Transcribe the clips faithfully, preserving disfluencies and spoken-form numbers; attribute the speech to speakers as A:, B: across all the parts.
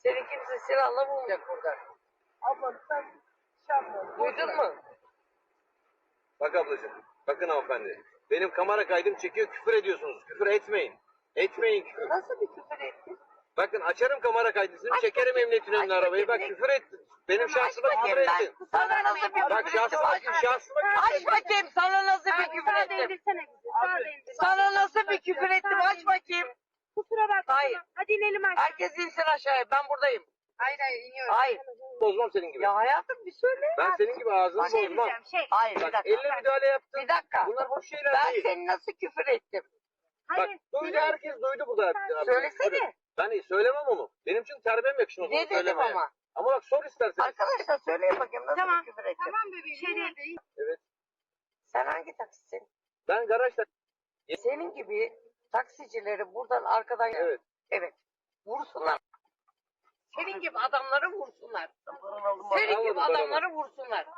A: Seni kimse silahla bulmayacak burada.
B: Abla sen şey yapma.
A: Duydun mu?
C: Bak ablacığım, bakın hanımefendi. Benim kamera kaydım çekiyor, küfür ediyorsunuz. Küfür etmeyin. Etmeyin küfür.
A: Nasıl bir küfür ettin?
C: Bakın açarım kamera kaydısını, çekerim emniyetin önüne arabayı. Bak küfür ettin. Benim şahsıma küfür ettin.
A: Sana nasıl bir
C: Bak
A: küfür ettim?
C: şahsıma,
A: Aç,
C: şahsıma küfür
A: aç
C: ettin.
A: bakayım sana nasıl bir küfür
D: Sağ
A: ettim?
D: değdirsene bizi. Sağ değdir.
A: Sana nasıl bir küfür ettim? Aç bakayım.
D: Kusura bakma.
A: Hayır.
D: Hadi inelim aşağı.
A: Herkes insin aşağıya. Ben buradayım.
D: Hayır hayır iniyoruz.
A: Hayır.
C: Bozmam senin gibi.
A: Ya hayatım bir söyle.
C: Ben senin gibi ağzını
A: Bak,
C: bozmam.
D: Diyeceğim şey.
A: Hayır bir
C: Bak
A: dakika.
C: elle müdahale yaptın.
A: Bir dakika.
C: Bunlar hoş şeyler
A: Ben
C: değil.
A: seni nasıl küfür ettim?
C: Bak
D: Hayır.
C: duydu, herkes duydu burada.
A: Söylesene.
C: Ben söylemem onu. Benim için terbiyem yakışmaz onu
A: Ne dedim
C: söylemeye.
A: ama?
C: Ama bak sor istersen.
A: Arkadaşlar söyleyin bakayım nasıl
D: Tamam.
A: bir küfür ettim?
D: Tamam bebeğim. Şey değil.
C: Evet.
A: Sen hangi taksisin?
C: Ben garajda...
A: Senin gibi taksicileri buradan arkadan...
C: Evet.
A: Evet. Vursunlar. Senin gibi adamları vursunlar. Senin
C: Almadım
A: gibi
C: paramı.
A: adamları vursunlar.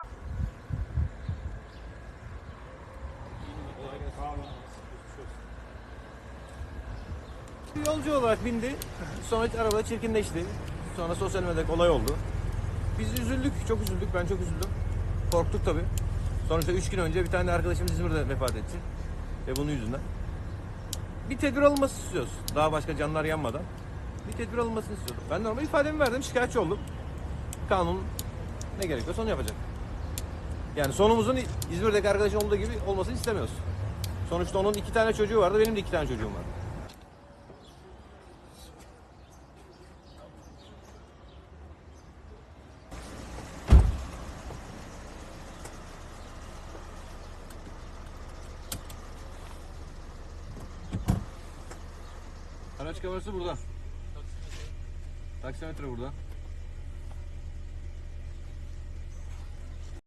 E: Yolcu olarak bindi. Sonra arabada çirkinleşti. Sonra sosyal medyada olay oldu. Biz üzüldük, çok üzüldük. Ben çok üzüldüm. Korktuk tabii. Sonuçta üç gün önce bir tane arkadaşımız İzmir'de vefat etti. Ve bunun yüzünden. Bir tedbir alınması istiyoruz. Daha başka canlar yanmadan. Bir tedbir alınmasını istiyordum. Ben normal ifademi verdim, şikayetçi oldum. Kanun ne gerekiyorsa onu yapacak. Yani sonumuzun İzmir'deki arkadaşın olduğu gibi olmasını istemiyoruz. Sonuçta onun iki tane çocuğu vardı, benim de iki tane çocuğum vardı. Araç kamerası burada. Taksimetre burada.